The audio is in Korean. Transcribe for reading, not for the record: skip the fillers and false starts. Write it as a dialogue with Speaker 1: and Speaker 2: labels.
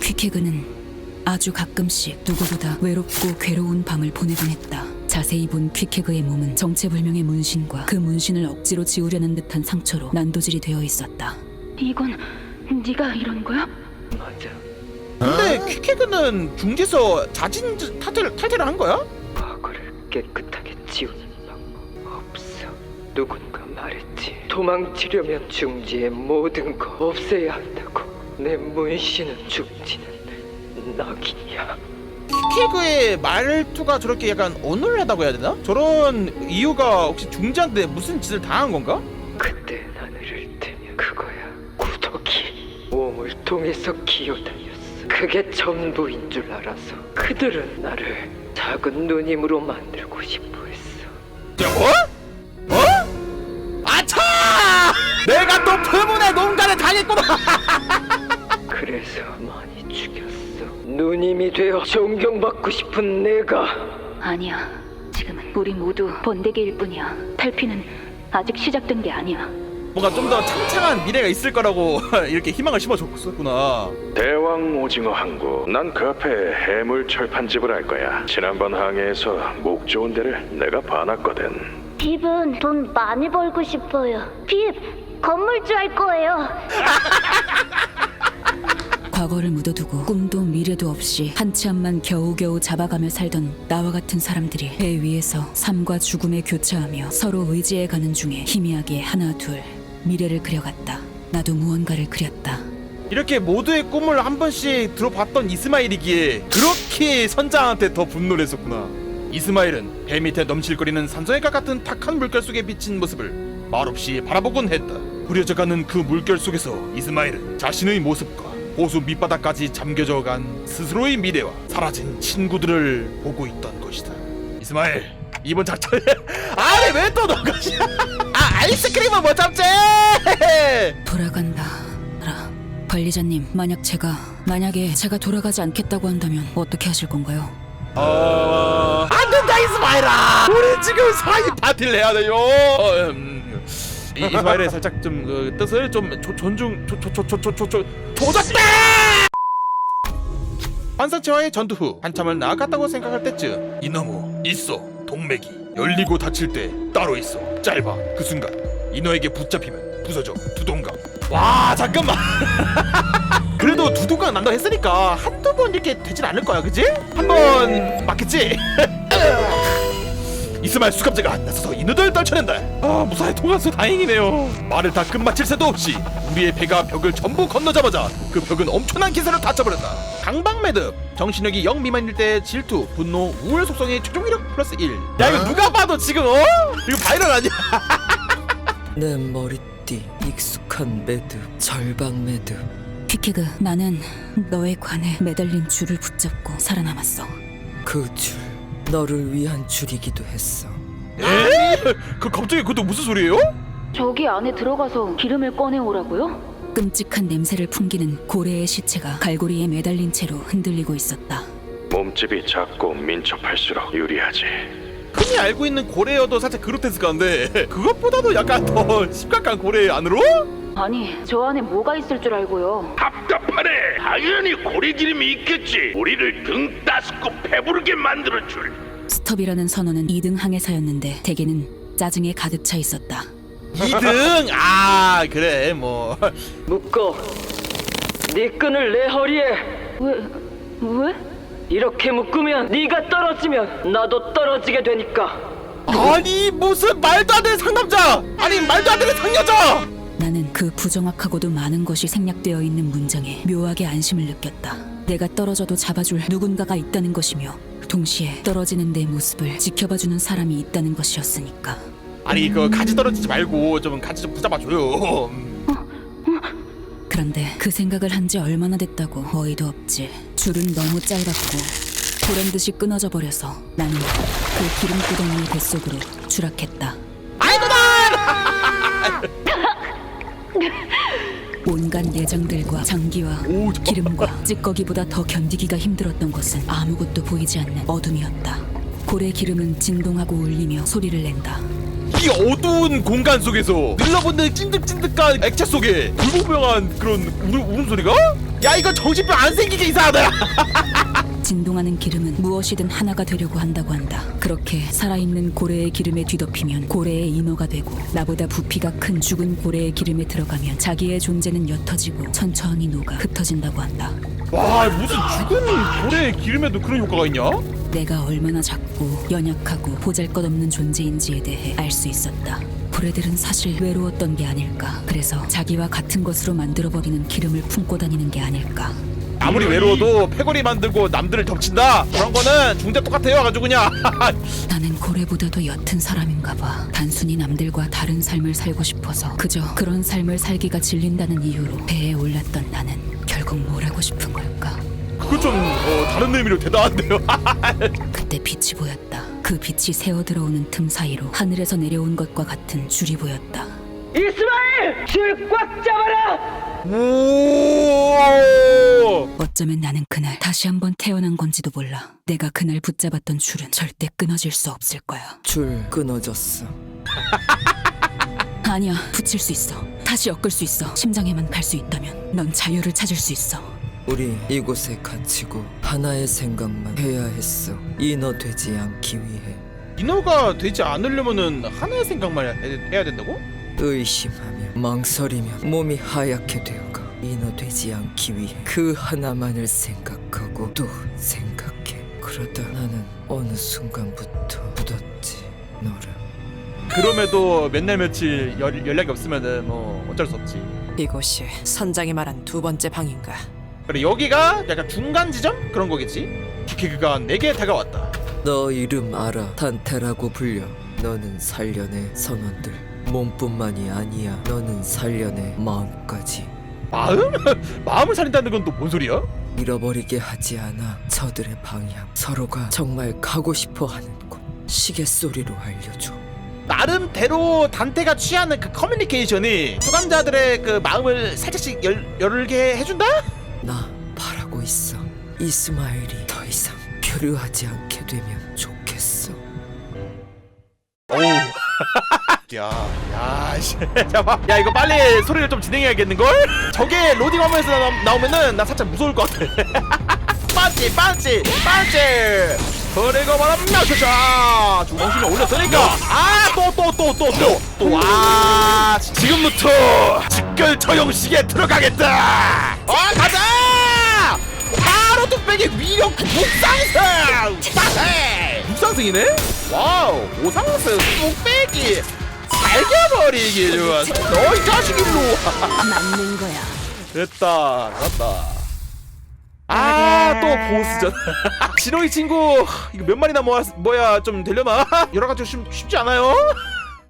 Speaker 1: 퀵해그는 아주 가끔씩 누구보다 외롭고 괴로운 밤을 보내곤 했다. 자세히 본 퀵해그의 몸은 정체불명의 문신과 그 문신을 억지로 지우려는 듯한 상처로 난도질이 되어 있었다.
Speaker 2: 이건 네가 이런 거야?
Speaker 3: 맞아.
Speaker 4: 근데 퀵해그는 중지에서 자진 탈퇴를 한 거야?
Speaker 3: 과거를 깨끗하게 지우는 방법 없어. 누군가 말했지. 도망치려면 중지의 모든 거 없애야 한다고. 내 문신은 죽지는 낙인이야.
Speaker 4: 퀵해그의 말투가 저렇게 약간 어눌하다고 해야 되나? 저런 이유가 혹시 중지한테 무슨 짓을 당한 건가?
Speaker 3: 그때 하늘을 뜨면 그거야. 구더기. 몸을 통해서 기어다녔어. 그게 전부인 줄 알아서 그들은 나를 작은 누님으로 만들고 싶어 했어.
Speaker 4: 아차! 내가 또 표문의 농간에 당했구나!
Speaker 3: 그래서 많이 죽였어. 누님이 되어 존경받고 싶은 내가.
Speaker 2: 아니야. 지금은 우리 모두 번데기일 뿐이야. 탈피는 아직 시작된 게 아니야.
Speaker 4: 뭔가 좀 더 창창한 미래가 있을 거라고 이렇게 희망을 심어줬었구나.
Speaker 5: 대왕 오징어 항구. 난 그 앞에 해물 철판집을 할 거야. 지난번 항해에서 목 좋은 데를 내가 봐놨거든.
Speaker 6: 빕은 돈 많이 벌고 싶어요. 빕 건물주 할 거예요.
Speaker 1: 과거를 묻어두고 꿈도 미래도 없이 한치 앞만 겨우겨우 잡아가며 살던 나와 같은 사람들이 배 위에서 삶과 죽음에 교차하며 서로 의지해가는 중에 희미하게 하나 둘 미래를 그려갔다. 나도 무언가를 그렸다.
Speaker 4: 이렇게 모두의 꿈을 한 번씩 들어봤던 이스마일이기에 그렇게 선장한테 더 분노를 했었구나. 이스마일은 배 밑에 넘실거리는 산소해가 같은 탁한 물결 속에 비친 모습을 말없이 바라보곤 했다. 흐려져가는 그 물결 속에서 이스마일은 자신의 모습과 호수 밑바닥까지 잠겨져간 스스로의 미래와 사라진 친구들을 보고 있던 것이다. 이스마일, 이번 작전에 아니 왜 또 너가 아이스크림은 못 참지?
Speaker 1: 돌아간다. 관리자님, 만약에 제가 돌아가지 않겠다고 한다면 어떻게 하실 건가요?
Speaker 4: 안 된다 이스마일아. 우리 지금 사이 파티를 해야 돼요. 이스마일의 살짝 좀 그 뜻을 좀 조작돼. 환사체와의 전투 후 한참을 나아갔다고 생각할 때쯤 이너무 있어. 동맥이 열리고 닫힐 때 따로 있어. 짧아. 그 순간 이너에게 붙잡히면 부서져. 두동강. 와 잠깐만. 그래도 두동강 난다 했으니까 한두 번 이렇게 되진 않을 거야, 그지? 한 번 맞겠지? 이스마일 수갑제가 나서서 인우들 떨쳐낸다. 아 무사히 통과해서 다행이네요. 말을 다 끝마칠 새도 없이 우리의 배가 벽을 전부 건너자마자 그 벽은 엄청난 기세로 닫혀버렸다. 강박매듭. 정신력이 0 미만일 때 질투, 분노, 우울 속성의 최종 위력 플러스 1. 야 이거 누가 봐도 지금 이거 바이럴 아니야?
Speaker 3: 내 머리띠 익숙한 매듭. 절방 매듭.
Speaker 1: 퀵해그, 나는 너의 관에 매달린 줄을 붙잡고 살아남았어.
Speaker 3: 그 줄 너를 위한 줄이기도 했어.
Speaker 4: 에? 그 갑자기 그것도 무슨 소리예요?
Speaker 2: 저기 안에 들어가서 기름을 꺼내오라고요?
Speaker 1: 끔찍한 냄새를 풍기는 고래의 시체가 갈고리에 매달린 채로 흔들리고 있었다.
Speaker 5: 몸집이 작고 민첩할수록 유리하지.
Speaker 4: 흔히 알고 있는 고래여도 살짝 그로테스크한데 그것보다도 약간 더 심각한 고래 안으로?
Speaker 2: 아니, 저 안에 뭐가 있을 줄 알고요.
Speaker 7: 답답하네. 당연히 고래기름이 있겠지. 우리를 등 따스고 배부르게 만들어줄.
Speaker 1: 스톱이라는 선언은 2등 항해사였는데 대개는 짜증에 가득 차 있었다.
Speaker 4: 2등? 아 그래 뭐
Speaker 3: 묶어. 네 끈을 내 허리에.
Speaker 2: 왜?
Speaker 3: 이렇게 묶으면 네가 떨어지면 나도 떨어지게 되니까.
Speaker 4: 아니 무슨 말도 안 되는 상남자! 아니 말도 안 되는 상여자!
Speaker 1: 나는 그 부정확하고도 많은 것이 생략되어 있는 문장에 묘하게 안심을 느꼈다. 내가 떨어져도 잡아줄 누군가가 있다는 것이며 동시에 떨어지는 내 모습을 지켜봐주는 사람이 있다는 것이었으니까.
Speaker 4: 아니 그 가지 떨어지지 말고 좀 가지 좀 붙잡아줘요.
Speaker 1: 그런데 그 생각을 한 지 얼마나 됐다고 어이도 없지. 줄은 너무 짧았고 보란듯이 끊어져 버려서 나는 그 기름구덩이의 뱃속으로 추락했다. 온갖 내장들과 장기와 기름과 찌꺼기보다 더 견디기가 힘들었던 것은 아무것도 보이지 않는 어둠이었다. 고래 기름은 진동하고 울리며 소리를 낸다.
Speaker 4: 이 어두운 공간 속에서 늘러붙는 찐득찐득한 액체 속에 불분명한 그런 울음소리가? 야 이거 정신병 안 생기게 이상하다.
Speaker 1: 진동하는 기름은 무엇이든 하나가 되려고 한다고 한다. 그렇게 살아있는 고래의 기름에 뒤덮이면 고래의 인어가 되고, 나보다 부피가 큰 죽은 고래의 기름에 들어가면 자기의 존재는 옅어지고 천천히 녹아 흩어진다고 한다.
Speaker 4: 와 무슨 죽은 고래의 기름에도 그런 효과가 있냐?
Speaker 1: 내가 얼마나 작고 연약하고 보잘것없는 존재인지에 대해 알 수 있었다. 고래들은 사실 외로웠던 게 아닐까. 그래서 자기와 같은 것으로 만들어버리는 기름을 품고 다니는 게 아닐까.
Speaker 4: 아무리 외로워도 패거리 만들고 남들을 덮친다. 그런 거는 중대 똑같아요. 아주 그냥.
Speaker 1: 나는 고래보다도 옅은 사람인가 봐. 단순히 남들과 다른 삶을 살고 싶어서 그저 그런 삶을 살기가 질린다는 이유로 배에 올랐던 나는 결국 뭘 하고 싶은 걸까?
Speaker 4: 그거 좀 다른 의미로 대단한데요.
Speaker 1: 그때 빛이 보였다. 그 빛이 새어 들어오는 틈 사이로 하늘에서 내려온 것과 같은 줄이 보였다.
Speaker 3: 이스마엘! 줄 꽉 잡아라!
Speaker 4: 오!
Speaker 1: 어쩌면 나는 그날 다시 한번 태어난 건지도 몰라. 내가 그날 붙잡았던 줄은 절대 끊어질 수 없을 거야.
Speaker 8: 줄 끊어졌어.
Speaker 1: 아니야, 붙일 수 있어. 다시 엮을 수 있어. 심장에만 갈 수 있다면 넌 자유를 찾을 수 있어.
Speaker 8: 우리 이곳에 갇히고 하나의 생각만 해야 했어. 인어 되지 않기 위해.
Speaker 4: 인어가 되지 않으려면은 하나의 생각만 해야 된다고?
Speaker 8: 의심하며 망설이며 몸이 하얗게 되어가 인어 되지 않기 위해 그 하나만을 생각하고 또 생각해. 그러다 나는 어느 순간부터 묻었지, 너를.
Speaker 4: 그럼에도 몇 날 며칠 연락이 없으면은 뭐 어쩔 수 없지.
Speaker 9: 이곳이 선장이 말한 두 번째 방인가?
Speaker 4: 그래 여기가 약간 중간 지점 그런 거겠지. 기계가 내게 다가왔다.
Speaker 8: 너 이름 알아. 단테라고 불려. 너는 살련의 선원들 몸뿐만이 아니야. 너는 살련의 마음까지.
Speaker 4: 마음? 마음을 살린다는 건 또 뭔 소리야?
Speaker 8: 잃어버리게 하지 않아. 저들의 방향, 서로가 정말 가고 싶어하는 곳. 시계 소리로 알려줘.
Speaker 4: 나름대로 단테가 취하는 그 커뮤니케이션이 수감자들의 그 마음을 살짝씩 열게 해준다?
Speaker 8: 나 바라고 있어. 이스마엘이 더 이상 교류하지 않게 되면 좋겠어.
Speaker 4: 오우. 잠깐만. 야 이거 빨리 소리를 좀 진행해야겠는걸? 저게 로딩 화면에서 나오면은 나 살짝 무서울 것 같아. 반지 그리고 말하면 나셔자 주먹심에 올렸으니까 와 지금부터 직결 처형식에 들어가겠다. 가자. 바로 뚝배기 위력 육상승. 빠세 육상승이네. 와우 5상승 뚝배기 살겨버리기 좋아. 너 이 자식 일로
Speaker 1: 맞는 거야.
Speaker 4: 됐다 갔다. 또 보스전. 진호이 친구 이거 몇 마리나 뭐야 좀 되려나? 여러 가지 쉽지 않아요.